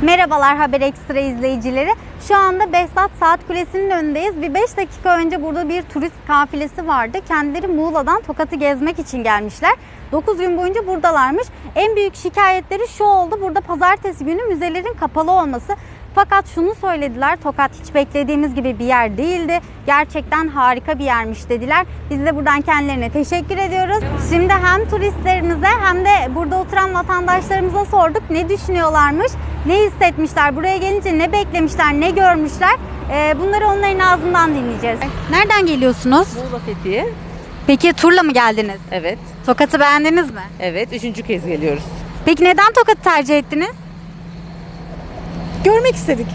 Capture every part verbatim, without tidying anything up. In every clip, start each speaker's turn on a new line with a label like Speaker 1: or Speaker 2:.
Speaker 1: Merhabalar Haber Ekstra izleyicileri. Şu anda Behzat Saat Kulesi'nin önündeyiz. Bir beş dakika önce burada bir turist kafilesi vardı. Kendileri Muğla'dan Tokat'ı gezmek için gelmişler. dokuz gün boyunca buradalarmış. En büyük şikayetleri şu oldu: burada pazartesi günü müzelerin kapalı olması. Fakat şunu söylediler: Tokat hiç beklediğimiz gibi bir yer değildi. Gerçekten harika bir yermiş dediler. Biz de buradan kendilerine teşekkür ediyoruz. Şimdi hem turistlerimize hem de burada oturan vatandaşlarımıza sorduk ne düşünüyorlarmış, ne hissetmişler, buraya gelince ne beklemişler, ne görmüşler. Bunları onların ağzından dinleyeceğiz. Nereden geliyorsunuz?
Speaker 2: Muğla Fethiye.
Speaker 1: Peki turla mı geldiniz?
Speaker 2: Evet.
Speaker 1: Tokat'ı beğendiniz mi?
Speaker 2: Evet. Üçüncü kez geliyoruz.
Speaker 1: Peki neden Tokat'ı tercih ettiniz?
Speaker 3: Görmek istedik.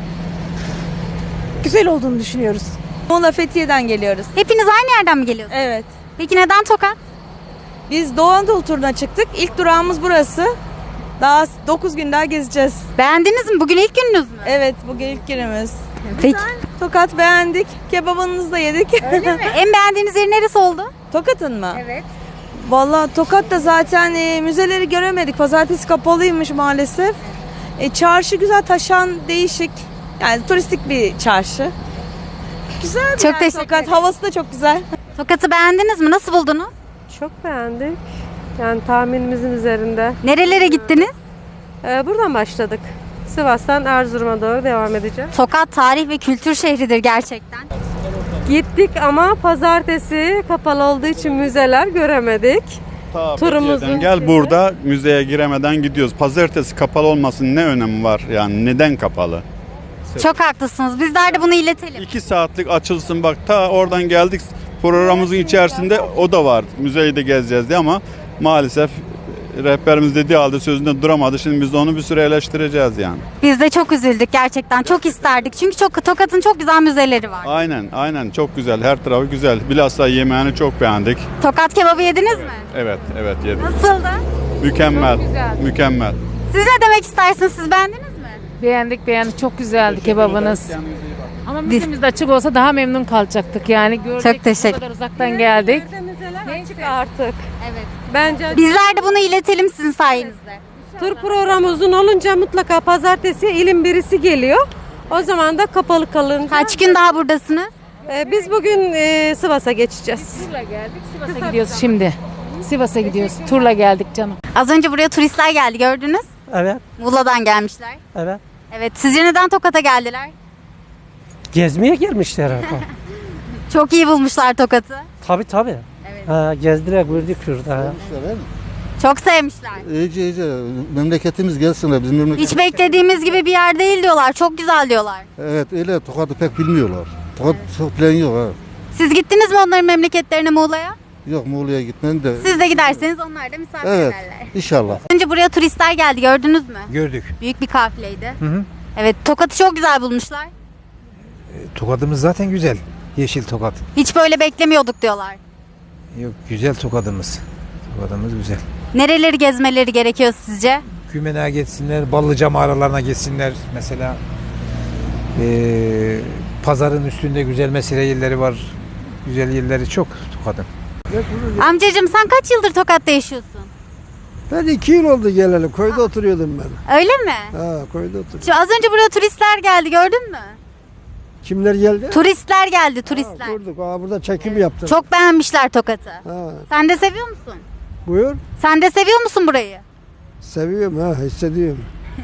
Speaker 3: Güzel olduğunu düşünüyoruz.
Speaker 4: Muğla Fethiye'den geliyoruz.
Speaker 1: Hepiniz aynı yerden mi geliyorsunuz?
Speaker 4: Evet.
Speaker 1: Peki neden Tokat?
Speaker 4: Biz Doğu Anadolu turuna çıktık. İlk durağımız burası. Daha dokuz gün daha gezeceğiz.
Speaker 1: Beğendiniz mi? Bugün ilk gününüz mü?
Speaker 4: Evet, bugün ilk günümüz.
Speaker 1: Peki.
Speaker 4: Tokat beğendik. Kebabınızı da yedik.
Speaker 1: Öyle mi? En beğendiğiniz yer neresi oldu?
Speaker 4: Tokat'ın mı?
Speaker 1: Evet.
Speaker 4: Vallahi Tokat'ta zaten e, müzeleri göremedik. Pazartesi kapalıymış maalesef. E, çarşı güzel, taşan, değişik. Yani turistik bir çarşı. Güzel bir
Speaker 1: Çok
Speaker 4: yer
Speaker 1: teşekkür
Speaker 4: Tokat.
Speaker 1: ederim.
Speaker 4: Havası da çok güzel.
Speaker 1: Tokat'ı beğendiniz mi? Nasıl buldunuz?
Speaker 5: Çok beğendik. Yani tahminimizin üzerinde.
Speaker 1: Nerelere gittiniz?
Speaker 5: Ee, buradan başladık. Sivas'tan Erzurum'a doğru devam edeceğiz.
Speaker 1: Tokat tarih ve kültür şehridir gerçekten.
Speaker 5: Gittik ama pazartesi kapalı olduğu için müzeler göremedik.
Speaker 6: Ta
Speaker 5: Turumuzun
Speaker 6: Fethiye'den gel
Speaker 5: şeyi-
Speaker 6: burada müzeye giremeden gidiyoruz. Pazartesi kapalı olmasının ne önemi var? Yani neden kapalı?
Speaker 1: Çok haklısınız. Bizler de bunu iletelim.
Speaker 6: İki saatlik açılsın bak, ta oradan geldik, programımızın içerisinde o da var. Müzeyi de gezeceğiz diye ama maalesef rehberimiz dediği halde sözünde duramadı. Şimdi biz de onu bir süre eleştireceğiz yani.
Speaker 1: Biz de çok üzüldük gerçekten. Çok isterdik. Çünkü çok Tokat'ın çok güzel müzeleri var.
Speaker 6: Aynen aynen çok güzel, her tarafı güzel. Bilhassa yemeğini çok beğendik.
Speaker 1: Tokat kebabı yediniz mi?
Speaker 6: Evet evet yedik.
Speaker 1: Nasıldı?
Speaker 6: Mükemmel mükemmel.
Speaker 1: Siz ne demek istersiniz? Siz beğendiniz mi?
Speaker 7: Beğendik beğendik, çok güzeldi kebabınız. Ama müzemiz de açık olsa daha memnun kalacaktık yani. Gördük,
Speaker 1: Çok teşekkür-
Speaker 7: bu kadar uzaktan geldik.
Speaker 5: Neyse artık.
Speaker 1: Evet.
Speaker 5: Bence
Speaker 1: Bizler de bunu iletelim sizin sayenizde.
Speaker 5: tur programı uzun olunca mutlaka pazartesi ilin birisi geliyor. O zaman da kapalı kalınca.
Speaker 1: Kaç gün daha buradasınız?
Speaker 5: Ee, biz bugün e, Sivas'a geçeceğiz.
Speaker 7: Turla geldik, Sivas'a gidiyoruz şimdi. Sivas'a gidiyoruz, turla geldik canım.
Speaker 1: Az önce buraya turistler geldi, gördünüz.
Speaker 8: Evet,
Speaker 1: Muğla'dan gelmişler.
Speaker 8: evet.
Speaker 1: Evet. Sizce neden Tokat'a geldiler?
Speaker 8: Gezmeye gelmişler herhalde.
Speaker 1: Çok iyi bulmuşlar Tokat'ı.
Speaker 8: Tabii tabii.
Speaker 1: Evet.
Speaker 8: Ha, gezdiler, gördük şurada.
Speaker 1: Çok sevmişler.
Speaker 9: İyice iyice memleketimiz gelsin. Bizim memleket...
Speaker 1: Hiç beklediğimiz gibi bir yer değil diyorlar. Çok güzel diyorlar.
Speaker 9: Evet öyle Tokat'ı pek bilmiyorlar. Tokat çok plan yok ha.
Speaker 1: Siz gittiniz mi onların memleketlerine, Muğla'ya?
Speaker 9: Yok Muğla'ya gitmenin de.
Speaker 1: Siz de giderseniz onlar da misafir
Speaker 9: Evet
Speaker 1: ederler.
Speaker 9: inşallah.
Speaker 1: Önce buraya turistler geldi, gördünüz mü?
Speaker 10: Gördük.
Speaker 1: Büyük bir kafileydi.
Speaker 10: Hı hı.
Speaker 1: Evet, Tokat'ı çok güzel bulmuşlar.
Speaker 10: Tokadımız zaten güzel. Yeşil tokat.
Speaker 1: Hiç böyle beklemiyorduk diyorlar.
Speaker 10: Yok, güzel tokadımız. Tokadımız güzel.
Speaker 1: Nereleri gezmeleri gerekiyor sizce?
Speaker 10: Kümene'ye geçsinler, Ballıca mağaralarına geçsinler. Mesela ee, pazarın üstünde güzel mesire yerleri var. Güzel yerleri çok Tokat'ın.
Speaker 1: Amcacığım, sen kaç yıldır Tokat'ta yaşıyorsun?
Speaker 11: Ben iki yıl oldu geleli. Köyde oturuyordum ben.
Speaker 1: Öyle mi?
Speaker 11: Ha, köyde oturuyordum.
Speaker 1: Şu az önce buraya turistler geldi, gördün mü?
Speaker 11: Kimler geldi?
Speaker 1: Turistler geldi,
Speaker 11: Ha,
Speaker 1: turistler.
Speaker 11: gördük. Aa, burada çekim yaptım.
Speaker 1: Çok beğenmişler Tokat'ı.
Speaker 11: Ha,
Speaker 1: Sen de seviyor musun?
Speaker 11: buyur.
Speaker 1: Sen de seviyor musun burayı?
Speaker 11: Seviyorum ha, hissediyorum.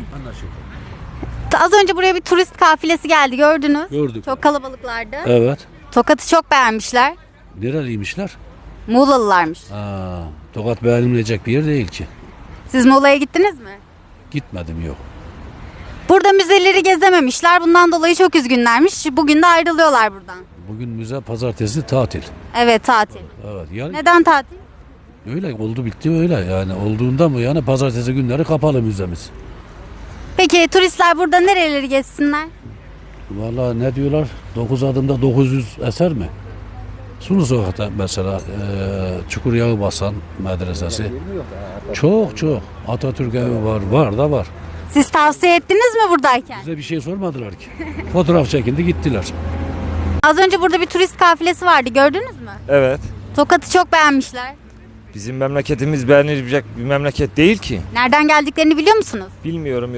Speaker 1: Az önce buraya bir turist kafilesi geldi, gördünüz.
Speaker 12: Gördük.
Speaker 1: Çok kalabalıklardı.
Speaker 12: Evet.
Speaker 1: Tokat'ı çok beğenmişler.
Speaker 12: Nereliymişler?
Speaker 1: Muğlalılarmış.
Speaker 12: Aa, Tokat beğenilmeyecek bir yer değil ki.
Speaker 1: Siz Muğla'ya gittiniz mi?
Speaker 12: Gitmedim yok.
Speaker 1: Burada müzeleri gezememişler. Bundan dolayı çok üzgünlermiş. Bugün de ayrılıyorlar buradan.
Speaker 12: Bugün müze, pazartesi tatil.
Speaker 1: Evet, tatil.
Speaker 12: Evet. Yani
Speaker 1: Neden tatil?
Speaker 12: öyle oldu bitti öyle yani olduğunda mı yani pazartesi günleri kapalı müzemiz.
Speaker 1: Peki turistler burada nereleri gezsinler?
Speaker 12: Vallahi ne diyorlar? dokuz adımda dokuz yüz eser mi? Sulu Sokak'ta mesela e, Çukur Yağı Basan medresesi. Çok çok. Atatürk evi var. Var da var.
Speaker 1: Siz tavsiye ettiniz mi buradayken?
Speaker 12: Bize bir şey sormadılar ki. Fotoğraf çekildi gittiler.
Speaker 1: Az önce burada bir turist kafilesi vardı, gördünüz mü?
Speaker 13: Evet.
Speaker 1: Tokat'ı çok beğenmişler.
Speaker 13: Bizim memleketimiz beğenilecek bir memleket değil ki.
Speaker 1: Nereden geldiklerini biliyor musunuz?
Speaker 13: Bilmiyorum yok.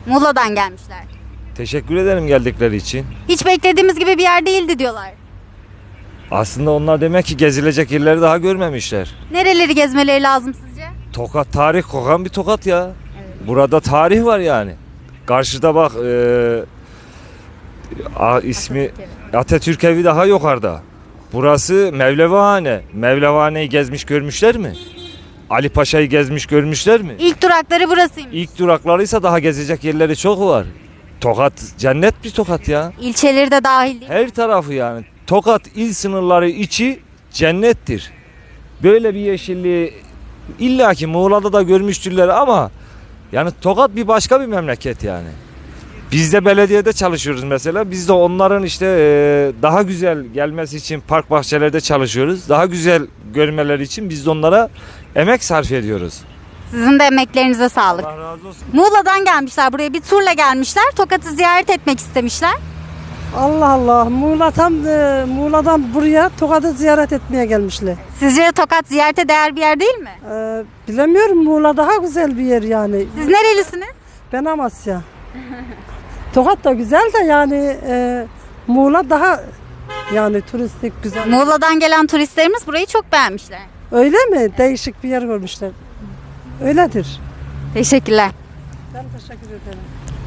Speaker 1: Muğla'dan gelmişler.
Speaker 13: Teşekkür ederim geldikleri için.
Speaker 1: Hiç beklediğimiz gibi bir yer değildi diyorlar.
Speaker 13: Aslında onlar demek ki gezilecek yerleri daha görmemişler.
Speaker 1: Nereleri gezmeleri lazım sizce?
Speaker 13: Tokat tarih kokan bir Tokat ya. Burada tarih var yani. Karşıda bak e, a, ismi Atatürk evi daha yukarıda. Burası Mevlevihane. Mevlevihane'yi gezmiş görmüşler mi? Ali Paşa'yı gezmiş görmüşler mi?
Speaker 1: İlk durakları burasıymış.
Speaker 13: İlk duraklarıysa daha gezecek yerleri çok var. Tokat cennet bir Tokat ya.
Speaker 1: İlçeleri de dahil değil mi?
Speaker 13: Her tarafı yani. Tokat il sınırları içi cennettir. Böyle bir yeşilliği illaki Muğla'da da görmüştürler ama yani Tokat bir başka bir memleket yani. Biz de belediyede çalışıyoruz mesela. Biz de onların işte daha güzel gelmesi için park bahçelerde çalışıyoruz. Daha güzel görmeleri için biz de onlara emek sarf ediyoruz.
Speaker 1: Sizin de emeklerinize sağlık.
Speaker 13: Allah razı olsun.
Speaker 1: Muğla'dan gelmişler, buraya bir turla gelmişler. Tokat'ı ziyaret etmek istemişler.
Speaker 3: Allah Allah. Muğla tam e, Muğla'dan buraya Tokat'ı ziyaret etmeye gelmişler.
Speaker 1: Sizce de Tokat ziyarete değer bir yer değil mi?
Speaker 3: Ee, bilemiyorum, Muğla daha güzel bir yer yani.
Speaker 1: Siz nerelisiniz?
Speaker 3: Ben Amasya. Tokat da güzel de yani e, Muğla daha yani turistik güzel.
Speaker 1: Muğla'dan gelen turistlerimiz burayı çok beğenmişler.
Speaker 3: Öyle mi? Değişik bir yer görmüşler. Öyledir.
Speaker 1: Teşekkürler.
Speaker 3: Ben teşekkür ederim.